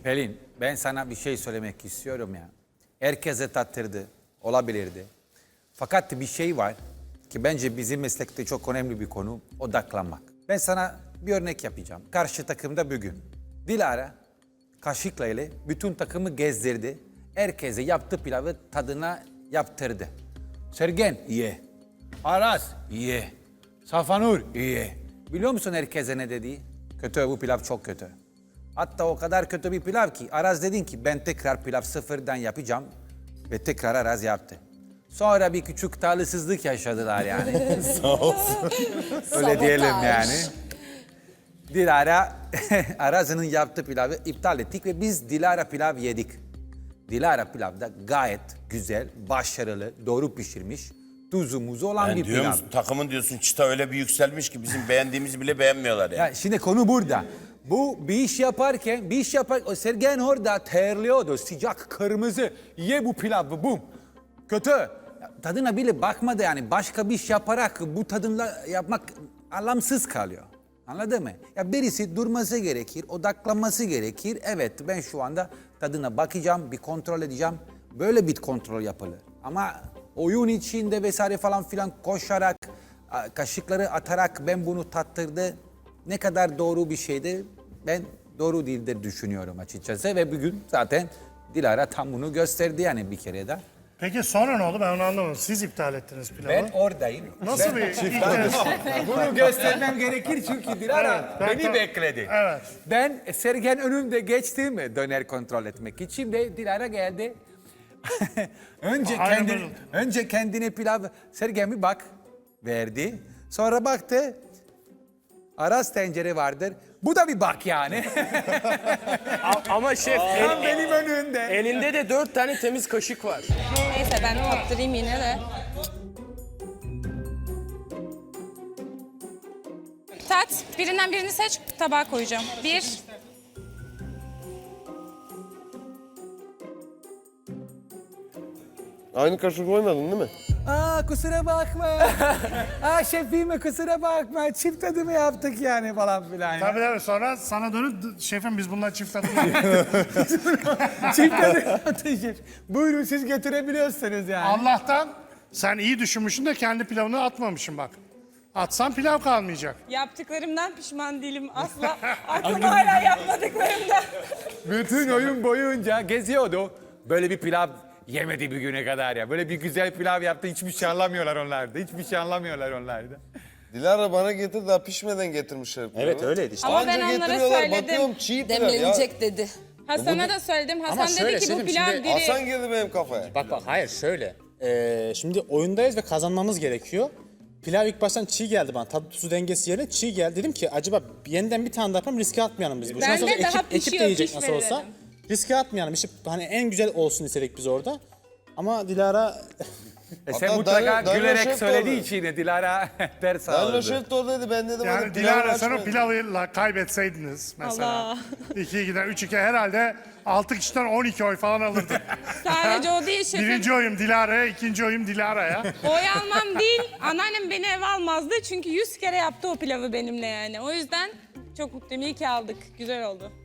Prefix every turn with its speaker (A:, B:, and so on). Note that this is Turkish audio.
A: Pelin, ben sana bir şey söylemek istiyorum ya. Herkese tattırdı, olabilirdi. Fakat bir şey var ki bence bizim meslekte çok önemli bir konu, odaklanmak. Ben sana bir örnek yapacağım. Karşı takımda bugün Dilara kaşıkla ile bütün takımı gezdirdi. Herkese yaptığı pilavı tadına yaptırdı. Sergen, ye. Aras, ye. Safanur, ye. Biliyor musun herkese ne dedi? Kötü, bu pilav çok kötü. Hatta o kadar kötü bir pilav ki Aras dedin ki ben tekrar pilav sıfırdan yapacağım ve tekrar Aras yaptı. Sonra bir küçük talihsizlik yaşadılar yani.
B: Sağ olsun.
A: Öyle diyelim yani. Dilara Aras'ın yaptığı pilavı iptal ettik ve biz Dilara pilav yedik. Dilara pilav da gayet güzel, başarılı, doğru pişirmiş, tuzu muzu olan
B: Ben
A: bir
B: diyorum,
A: pilav.
B: takımın diyorsun çıta öyle bir yükselmiş ki bizim beğendiğimizi bile beğenmiyorlar yani.
A: Ya şimdi konu burada. Bu bir iş yaparken, o Sergen orada terliyordu, sıcak, kırmızı. Ye bu pilavı, bum. Kötü. Ya, tadına bile bakmadı yani. Başka bir iş yaparak bu tadımla yapmak anlamsız kalıyor. Anladın mı? Ya birisi durması gerekir, odaklanması gerekir. Evet, ben şu anda tadına bakacağım, bir kontrol edeceğim. Böyle bir kontrol yapılır. Ama oyun içinde vesaire falan filan koşarak, kaşıkları atarak ben bunu tattırdı. Ne kadar doğru bir şeydi, ben doğru değildir düşünüyorum açıkçası. Ve bugün zaten Dilara tam bunu gösterdi yani bir kere de.
C: Peki sonra ne oldu? Ben onu anlamadım. Siz iptal ettiniz pilavı.
A: Ben oradayım.
C: Nasıl bir ilk
A: Bunu göstermem gerekir çünkü Dilara
C: Evet,
A: beni bekledi.
C: Evet.
A: Ben Sergen önümde geçtim döner kontrol etmek için ve Dilara geldi.
C: Aynen böyle.
A: önce kendine pilav Sergen bir bak verdi. Sonra baktı. Aras tencere vardır. Bu da bir bak yani.
D: Ama şef
A: Tam benim önümde.
D: elinde de 4 tane temiz kaşık var.
E: Neyse ben tattırayım yine de. Tat, birinden birini seç, tabağa koyacağım. Bir.
F: Aynı kaşık koymadın değil mi?
A: Kusura bakma. Şefime kusura bakma. Çift tadımı yaptık yani falan filan.
C: Tabii tabii, sonra sana dönüp şefim biz bunlar çift tadım yaptık.
A: Çift tadım yaptık şef. Buyurun siz getirebiliyorsunuz yani.
C: Allah'tan sen iyi düşünmüşsün de kendi pilavını atmamışsın bak. Atsan pilav kalmayacak.
E: Yaptıklarımdan pişman değilim asla. Aklım hala yapmadıklarımda.
A: Bütün oyun boyunca geziyordu. Böyle bir pilav yemedi bir güne kadar ya. Böyle bir güzel pilav yaptı. Hiçbir şey anlamıyorlar onlarda. Hiçbir şey anlamıyorlar onlarda.
F: Dilara bana getir, daha pişmeden getirmişler pilavı.
G: Evet öyleydi işte.
E: Ama ben
F: Anca
E: onlara
F: getiriyorlar,
E: söyledim.
F: bakıyorum çiğ pilav ya.
H: Demlenecek dedi.
E: Hasan'a da söyledim. Hasan
G: şöyle
E: dedi ki bu
G: şefim,
E: pilav
G: şimdi
E: diri.
F: Hasan girdi benim kafaya.
G: Bak hayır şöyle. Şimdi oyundayız ve kazanmamız gerekiyor. Pilav ilk baştan çiğ geldi bana. Tadı tuzu dengesi yerine çiğ geldi. Dedim ki acaba yeniden bir tane daha yapalım, riske atmayalım biz. Bu
E: Ben
G: nasıl
E: de
G: olsa
E: daha
G: ekip de
E: pişiyor,
G: yiyecek nasıl
E: pişmedi
G: olsa.
E: dedim.
G: Riske atmayalım. İşte hani en güzel olsun istedik biz orada. Ama Dilara
A: Sen
F: Hatta
A: mutlaka
F: Danilo
A: gülerek
F: Şef de
A: söylediği
F: orada.
A: için Dilara ders
F: Danilo
A: aldı.
F: Şef de oradaydı, ben dedim
C: Yani
F: hadi pilavı
C: Dilara sen o
F: açmayın.
C: pilavı kaybetseydiniz mesela.
E: Allah.
C: 2-2'den 3-2 herhalde 6 kişiden 12 oy falan alırdın.
E: Sadece o değil şefim.
C: Birinci oyum Dilara'ya, ikinci oyum Dilara'ya.
E: Oy almam değil. Anneannem beni eve almazdı. Çünkü 100 kere yaptı o pilavı benimle yani. O yüzden çok mutluyum. İyi ki aldık. Güzel oldu.